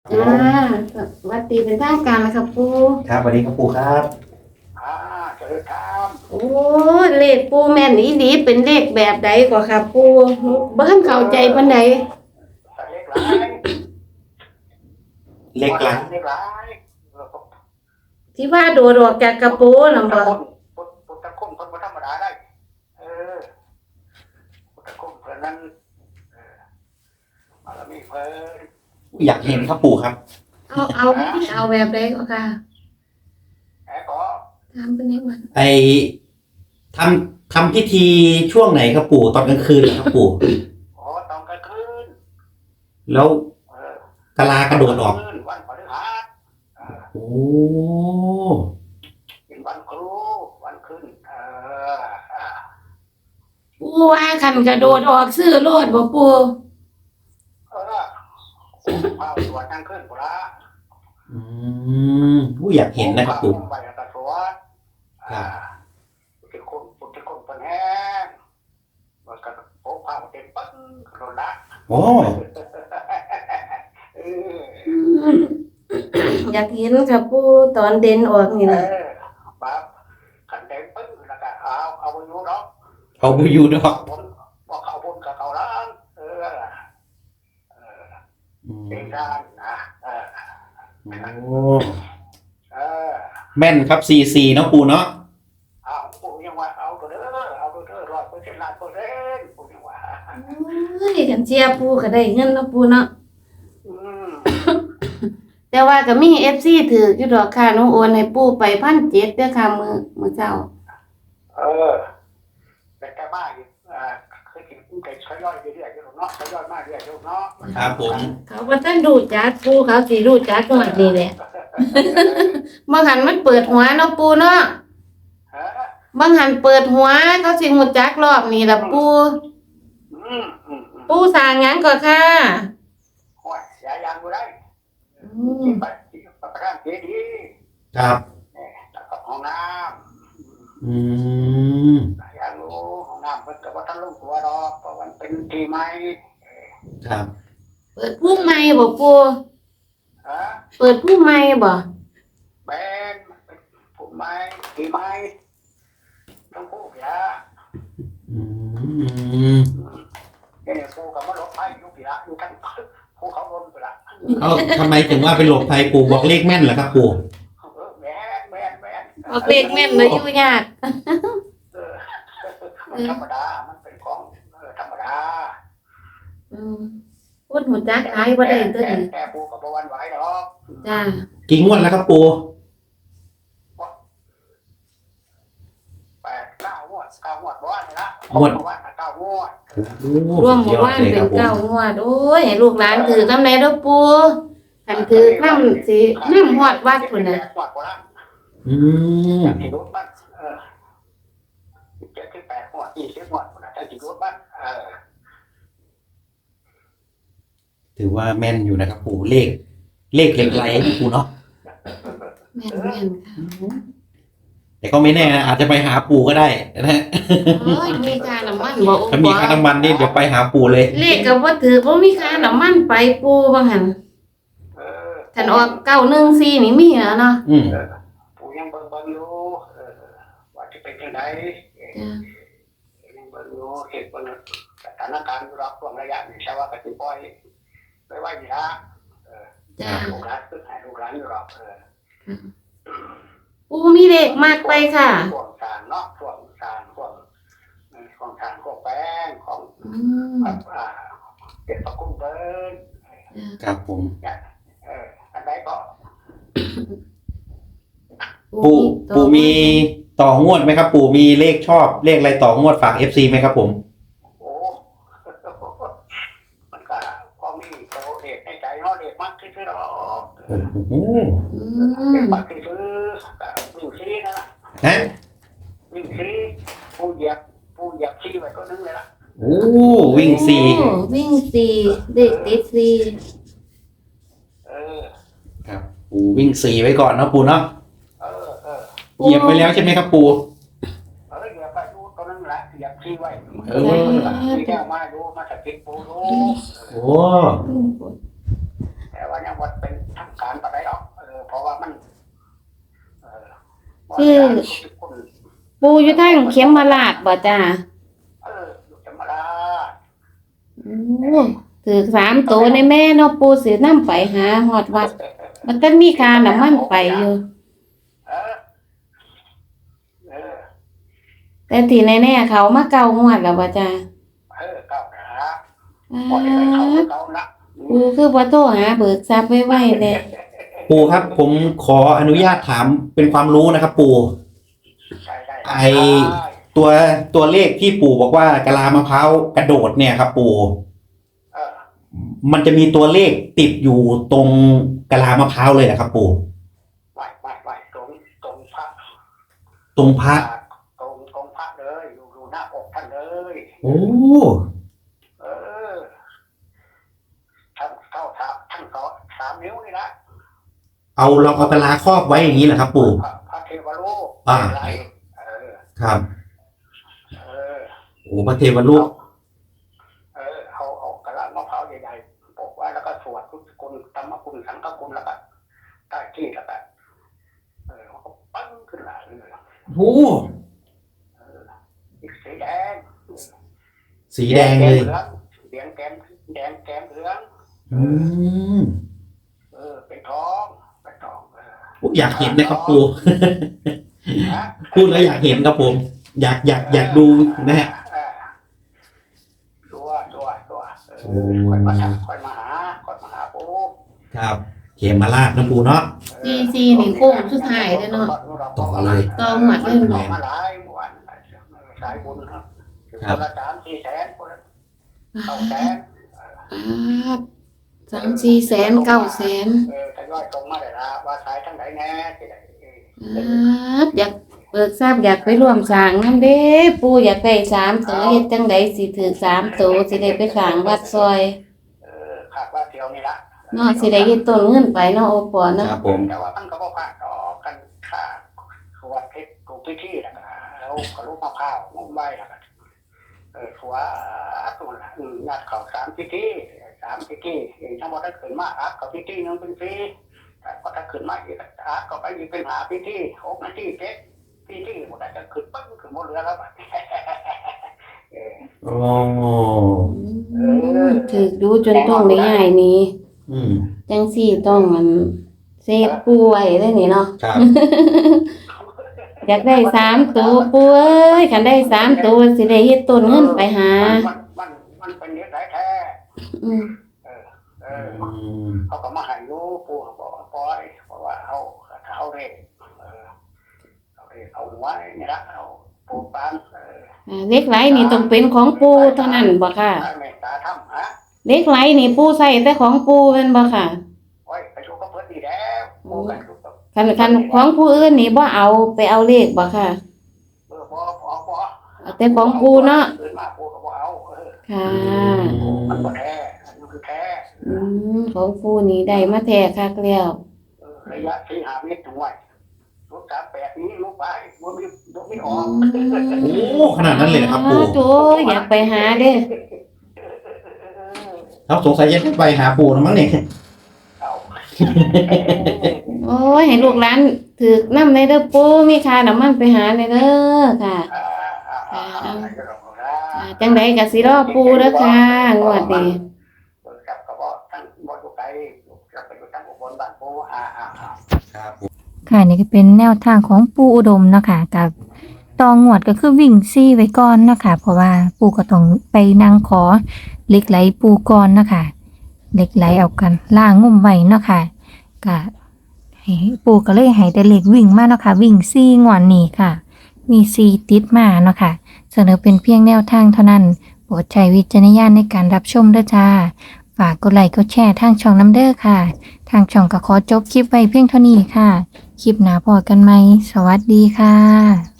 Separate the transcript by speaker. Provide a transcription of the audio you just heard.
Speaker 1: จ้าสวัสดีเป็นทางการนะครับปู
Speaker 2: ครับสวัสดีครับปู่ครับ
Speaker 3: อ่าเจริญธรรม
Speaker 1: โอ้เลขปูแม่นอีหลีเป็นเลขแบบใดกว่าครับปูเบิ่งเข้าใจปานใด
Speaker 3: เล็กหลาย
Speaker 2: เล็กหลัง
Speaker 3: เล็กหลาย
Speaker 1: ที่ว่าโดดออกจากกระโปรงน่ะบ่
Speaker 3: พุทธคุณคนบ่ธรรมดาได้เออพุทธคุณเพิ่นนั้นบารมีเพิ่น
Speaker 2: อยากเห็นครับปู่ครับ
Speaker 1: เอาแบบใดก็ค่ะ
Speaker 3: แอบก็
Speaker 1: ถามเพิ่นได้ว่า
Speaker 2: ไอทำพิธีช่วงไหนครับปู่ตอนกลางคืนเหรอครับปู่
Speaker 3: โอ้ตอนกลางคืน
Speaker 2: แล้ว
Speaker 3: เออก
Speaker 2: ะลากระโดดออก
Speaker 3: วันพฤหัส
Speaker 2: โอ้
Speaker 3: เป็นวันครูวันขึ้น
Speaker 1: ปูว่าคันกระโดดออกซื้อโลดบ่ปู
Speaker 3: พาสวดกลางคืนพุ่นละ
Speaker 2: อยากเห็นนะครับปู่
Speaker 3: ไปตะสวดพุทธคุณเพิ่นแห้งมันก็โอ้พาเต็มปึ้งโดนละ
Speaker 2: โอ้
Speaker 1: อยากเห็นครับปูตอนเด่นออกนี่แหละ
Speaker 3: แบบขันเต็มปึ้งแล้วก็เอาไปอยู่เนาะ
Speaker 2: เขาไปอยู่ดอก
Speaker 3: บอกเขาบนกับเขาล้างเป็นการนะ
Speaker 2: โอ้
Speaker 3: เออ
Speaker 2: แม่นครับซีเนาะปู่เนาะ
Speaker 3: เอาปู่ยังว่าเอาตัวเด้อ100%ล้านเปอร์เซ็นต์ปู่ยังว่า
Speaker 1: เฮ้ยกันเชียร์ปูก็ได้เงินเนาะปูเนาะ
Speaker 3: อืม
Speaker 1: แต่ว่าก็มี FC ถืออยู่ดอกค่ะหนูโอนให้ปู่ไป1,700เด้อค่ะมื้อเช้า
Speaker 3: แต่แกบ้าอยู่เคยกินกุ้งไก่ทยอยเรื่อยๆอยู่เนาะทยอยมากเรื่อยๆเนาะ
Speaker 2: ครับผม
Speaker 1: เขาบ่ทันรู้จักปู่เขาสิรู้จักงวดนี้แหละบางหันมันเปิดหัวเนาะปู่เนาะบางหันเปิดหัวเขาสิรู้จักรอบนี้ล่ะปู่ปู่สร้างหยังก็ค่ะ
Speaker 3: โอ้ยยายังบ่ได้
Speaker 1: อืม
Speaker 3: ไปประธานเจดีย์
Speaker 2: ครับ
Speaker 3: แล้วก็ห้องน้
Speaker 2: อืม
Speaker 3: ำอยากรู้ห้องน้ำเพิ่นก็บ่ทันลงตัวดอกเพราะมันเป็นที่ใหม่
Speaker 2: ครับ
Speaker 1: เปิดผู้ใหม่บ่ปู่
Speaker 3: ฮะ
Speaker 1: เปิดผู้ใหม่บ่
Speaker 3: แบนเป็นผู้ใหม่ที่ใหม่ต้องพูดอย่า
Speaker 2: อืม
Speaker 3: เนี่ยปู่ก็มาหลบภัยอยู่พี่ละอยู่ทั้งภูเขาลนไปละ
Speaker 2: เอ้าทำไมถึงว่าเป็นหลบภัยปู่บอกเลขแม่นเหรอครับปู่
Speaker 3: แม่น
Speaker 1: ออกเลขแม่นเลยอยู่ยาก
Speaker 3: มันธรรมดามันเป็นของธรรมดา
Speaker 1: พูดหูจักหลายบ่ได้ตัวนี้
Speaker 3: แต่ปู่ก็บ่หวั่นไหวดอก
Speaker 1: จ้า
Speaker 2: กี่งวดแล้วครับปู่
Speaker 3: 9 งวดบ่ว่านี่ละว่า9 งวด
Speaker 1: รวมหมู่บ้านเป็น9งวดโอ้ยให้ลูกหลานถือกำไรเด้อปู่คันถือนำสินำฮอดวัดพุ่นน่ะ
Speaker 2: อืม
Speaker 3: ที่รถบ้าน78 งวด20 งวดพุ่นน่ะจังสิรถบ้าน
Speaker 2: ถือว่าแม่นอยู่นะครับปู่เลขเหล็กไหลนะปู่เนาะ
Speaker 1: แม่นค่ะ
Speaker 2: แต่ก็ไม่แน่นะอาจจะไปหาปู่ก็ได้นะฮะ
Speaker 1: โอ้ยมีค่าน้ำมันบ่
Speaker 2: ถ้ามีค่าน้ำมันนี่เดี๋ยวไปหาปู่เลย
Speaker 1: เลขก็บ่ถือบ่มีค่าน้ำมันไปปู่ว่าหั่นคันออก914นี่มีแล้วเนาะ
Speaker 2: อืม
Speaker 3: ปู่ยังเบิ่งอยู่ว่าจะเป็นจังได๋
Speaker 1: จ้า
Speaker 3: ยังเบิ่งอยู่เฮ็ดเบิ่งสถานการณ์อยู่รอบช่วงระยะนี้ใช่ว่าก็สิปล่อยไว้นี่ล่ะ
Speaker 1: จ้า
Speaker 3: ลูกหลานคือให้ลูกหลานอยู่รอบ
Speaker 1: ปู่มีเลขมากไปค่ะ
Speaker 3: ช่วงสารเนาะช่วงสารช่วงสารพวกแป้งของ
Speaker 1: อืม
Speaker 3: เก็บประกุ้งเบิ้ล
Speaker 2: ครับผม
Speaker 3: อันใดก็
Speaker 2: ปู่มีต่องวดไหมครับ ปู่มีเลขชอบเลขอะไรต่องวดฝาก FC ไหมครับผม
Speaker 3: โอ้มันก็พอมีโตเด็กในใจเนาะเด็กมากที่สุดหรอก
Speaker 2: โอ้โห
Speaker 1: อื
Speaker 3: เด็ก
Speaker 1: ม
Speaker 3: มากที่สุดวิ่งซีนั่นแหละ
Speaker 2: ฮะ
Speaker 3: วิ่งซีผู้เหยียบซีไว้ก็นึงเลยล่ะ
Speaker 2: โอ้วิ่งสี่
Speaker 1: โอ้วิ่งสี่เลขติดสี่
Speaker 2: ครับปู่วิ่งสี่ไว้ก่อนนะปู่เนาะ
Speaker 3: เออ
Speaker 2: เหยียบไปแล้วใช่ไหมครับปู่
Speaker 3: เหยียบไปดูตรงนั้นแหละเหยียบซีไว้
Speaker 2: เออ
Speaker 3: ที่แก้วมาดูมาสกิดปูดู
Speaker 2: โอ้
Speaker 3: แต่ว่ายังวัดเป็น
Speaker 1: คือปูอยู่ทางเข็มมาลาดบ่จ้า
Speaker 3: อยู่ธรรมดา
Speaker 1: โอ้ถือ3ตัวในแม่เนาะปูสินำไปหาฮอดวัด มันต้องมีค่าน้ำมันไปอยู่
Speaker 3: เออเออ
Speaker 1: แต่ที่แน่ๆเขามาเก่างวดแล้วบ่จ้า
Speaker 3: เก้าหา
Speaker 1: อ้า
Speaker 3: พอได้ไปเขา
Speaker 1: ว
Speaker 3: เก้าละ
Speaker 1: ปูคือบ่โทรหาเบิกทรัพย์ไว้ๆแน่
Speaker 2: ปู่ครับผมขออนุญาตถามเป็นความรู้นะครับ ปู่
Speaker 3: ได้
Speaker 2: ตัวเลขที่ปู่บอกว่ากะลามะพร้าวกระโดดเนี่ยครับ ปู่
Speaker 3: เออ
Speaker 2: มันจะมีตัวเลขติดอยู่ตรงกะลามะพร้าวเลยนะครับ ปู่
Speaker 3: ไหวตรงพระ
Speaker 2: ตรงพระ
Speaker 3: ตรงพระเลยอยู่หน้าอกท่านเลย
Speaker 2: โอ้
Speaker 3: เออทั้งเท่าทั้ง3 นิ้วนี่นะ
Speaker 2: เราเอากะลาครอบไว้อย่างนี้แหละครับ ปู่
Speaker 3: พระเทวรูป
Speaker 2: อ่า
Speaker 3: ไหล
Speaker 2: ครับ
Speaker 3: เออ
Speaker 2: โอ้พระเทวรูป
Speaker 3: เอากระลามะพร้าวใหญ่ๆปกไว้แล้วก็สวดพุทธคุณธรรมคุณสังฆคุณแล้วก็ใต้ที่แล้วก็มันก็ปั้งขึ้นมาเลย
Speaker 2: โอ้
Speaker 3: อีกสีแดง
Speaker 2: สีแดงเลย
Speaker 3: เหลืองแก้มเหลือง
Speaker 2: อืม
Speaker 3: เป็นทอง
Speaker 2: อยากเห็นนะครับ ปู่ พูดแล้วอยากเห็นครับผม อยากดูนะฮะ
Speaker 3: ตัวค่อยมาหาปู่
Speaker 2: ครับเขมมาลาดนะปู่เนาะ
Speaker 1: CC นี่โค้งสุดท้ายแล้วเนาะ
Speaker 2: ต่อเลย
Speaker 1: ต่อหมวดเลย
Speaker 3: ต่อ
Speaker 1: บ่
Speaker 3: มาหลายหมวดสายบุญครับคนละ3-4 แสนคนละ9 แสน
Speaker 1: 3-4 แสน 9 แสน
Speaker 3: ทยอยตรงมาได้ละว่าสายทั้งไหนแน่ที่ไหน
Speaker 1: อยากเบิกทราบอยากไปร่วมสร้างนำเด้ปู่อยากได้3ตัวเฮ็ดจังไดสิถือ3ตัวสิได้ไปสร้างวัดซอย
Speaker 3: ขาดว่าเที่ยวนี่ละ
Speaker 1: เนาะสิได้เฮ็ดต้นเงินไปเนาะโอปอเนาะ
Speaker 2: ครับผม
Speaker 3: แต่ว่ามันก็บ่ผ่านต่อกันค่าสวดเพชรถูกพิธีแล้วก็แล้วก็ลูกมะพร้าวงมใบแล้วก็สวดตัวละนัดเข้า3 พิธีทั้งหมดถ้าขึ้นมาอักกับพิธีนึงเป็นฟรีแต่พอถ้าขึ้นมาอีกอักก็ไปอีกเป็นหาพิธี6 นาที7 พิธีหมดจะขึ้นปั้งขึ้นหมดเรือแล้วบัด
Speaker 2: โอ้
Speaker 1: ถือดูจนต้องได้ย้ายหนี้
Speaker 2: อืม
Speaker 1: จังซี่ต้องมันเซฟปูไว้เลยนี่เนาะ
Speaker 2: ครับ
Speaker 1: อยากได้3ตัวปูเอ้ยคันได้3ตัวสิได้เฮ็ดต้นเงินไปหา
Speaker 3: มันเป็นเรื่องไรแท้
Speaker 1: อืม
Speaker 3: เขาก็มาให้รู้ปู่บอกว่าปล่อยเพราะว่าเขาเร่เอาไว้นี่ละเอาปูปาน
Speaker 1: เหล็กไหลนี่ต้องเป็นของปูเท่านั้นบ่ค่ะ
Speaker 3: เมตตาทำฮะ
Speaker 1: เหล็กไหลนี่ปูใส่แต่ของปูแม่นบ่ค่ะ
Speaker 3: โอ้ยไปดูก็เพิ่นดีแล้วปูกันดูก็
Speaker 1: คันของผู้อื่นนี่บ่เอาไปเอาเลขบ่ค่ะ
Speaker 3: บ่
Speaker 1: เอาแต่ของปูเนาะ
Speaker 3: ขึ้นมาปูก็บ่เอา
Speaker 1: ค่ะ
Speaker 3: มันบ่แท้อันนี้คือแท้
Speaker 1: ของปูนี่ได้มาแท้คักแล้ว
Speaker 3: ระยะ4-5 เมตรถึงไว้ลูก38นี้ลูกไปบ่มีออก
Speaker 2: โอ้ขนาดนั้นเลยนะครับปู่
Speaker 1: โอ้ยอยากไปหาเด้
Speaker 2: เราสงสัยจะไปหาปู่นะมั้งเนี่ย
Speaker 3: เอา
Speaker 1: โอ้ยให้ลูกหลานถือนำในเด้อปูมีค่าน้ำมันไปหาในเด้อค่ะจังไดก็สิรอปูเด้อค่ะงวดนี้
Speaker 3: กับก็บ่ทั้งบ่อยู่ไกลกับไปอยู่ทั้งอุบลบ้านปู
Speaker 2: ครับ
Speaker 4: ค่ะนี่ก็เป็นแนวทางของปู่อุดมเนาะค่ะกับตองวดก็คือวิ่งซี่ไว้ก่อนเนาะค่ะเพราะว่าปู่ก็ต้องไปนั่งขอเหล็กไหลปู่ก่อนเนาะค่ะเหล็กไหลเอากันล่างงุ่มไว้เนาะค่ะก็ให้ปู่ก็เลยให้แต่เหล็กวิ่งมาเนาะค่ะวิ่งซี่งวดนี้ค่ะมีซี่ติดมาเนาะค่ะเสนอเป็นเพียงแนวทางเท่านั้นโปรดใช้วิจารณญาณในการรับชมด้วยจ้าฝากกดไลค์กดแชร์ทางช่องน้ำเด้อค่ะทางช่องก็ขอจบคลิปไว้เพียงเท่านี้ค่ะคลิปหน้าพอกันไหมสวัสดีค่ะ